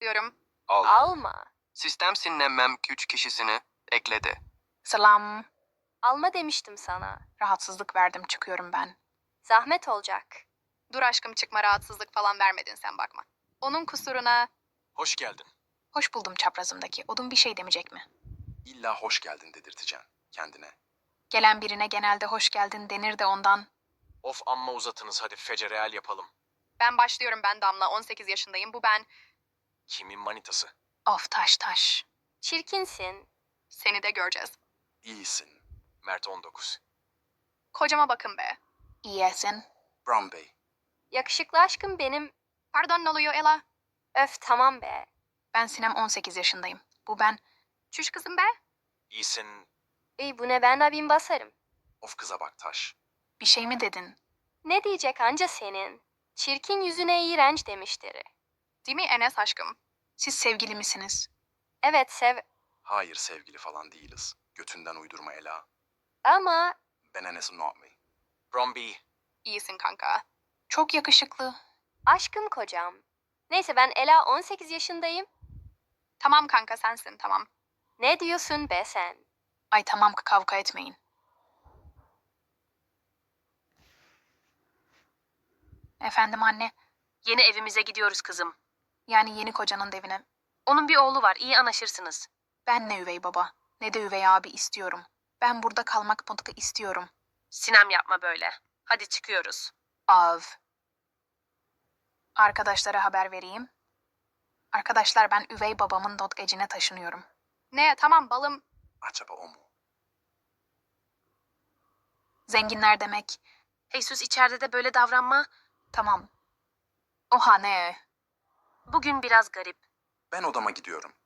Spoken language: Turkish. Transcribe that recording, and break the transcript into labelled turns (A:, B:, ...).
A: istiyorum.
B: Alma.
C: Sistem sinnemem 3 kişisini ekledi.
D: Selam.
B: Alma demiştim sana.
D: Rahatsızlık verdim, çıkıyorum ben.
B: Zahmet olacak.
A: Dur aşkım çıkma, rahatsızlık falan vermedin sen, bakma. Onun kusuruna.
E: Hoş geldin.
D: Hoş buldum çaprazımdaki. Odun bir şey demeyecek mi?
E: İlla hoş geldin dedirteceksin kendine.
D: Gelen birine genelde hoş geldin denir de ondan.
E: Of amma uzatınız, hadi fecereal yapalım.
A: Ben başlıyorum, ben Damla, 18 yaşındayım, bu ben.
E: Kimin manitası?
D: Of taş.
B: Çirkinsin.
A: Seni de göreceğiz.
E: İyisin. Mert 19.
A: Kocama bakın be.
D: İyisin.
E: Brown Bey.
B: Yakışıklı aşkım benim.
A: Pardon, ne oluyor Ela?
B: Öf tamam be.
D: Ben Sinem, 18 yaşındayım. Bu ben.
A: Çüş kızım be.
E: İyisin.
B: İyi bu ne, ben de bin basarım.
E: Of kıza bak Taş.
D: Bir şey mi dedin?
B: Ne diyecek anca senin? Çirkin yüzüne iğrenç demiştir.
A: Değil mi Enes aşkım?
D: Siz sevgili misiniz?
B: Evet
E: Hayır, sevgili falan değiliz. Götünden uydurma Ela.
B: ama
E: Ben Enes'im, not me. Brown Bey.
A: İyisin kanka.
D: Çok yakışıklı.
B: aşkım kocam. Neyse ben Ela, 18 yaşındayım.
A: Tamam kanka, sensin, tamam.
B: Ne diyorsun be sen?
D: Ay tamam, kavga etmeyin. Efendim anne.
F: Yeni evimize gidiyoruz kızım.
D: Yani yeni kocanın evine.
F: Onun bir oğlu var, iyi anlaşırsınız.
D: Ben ne üvey baba, ne de üvey abi istiyorum. Ben burada kalmak mutlaka istiyorum.
F: Sinem yapma böyle. Hadi çıkıyoruz.
D: Av. Arkadaşlara haber vereyim. Arkadaşlar, ben üvey babamın dotgecine taşınıyorum.
A: Ne, tamam balım.
E: Acaba o mu?
D: Zenginler demek.
F: Jesus, içeride de böyle davranma.
D: Tamam. Oha ne?
F: Bugün biraz garip.
E: Ben odama gidiyorum.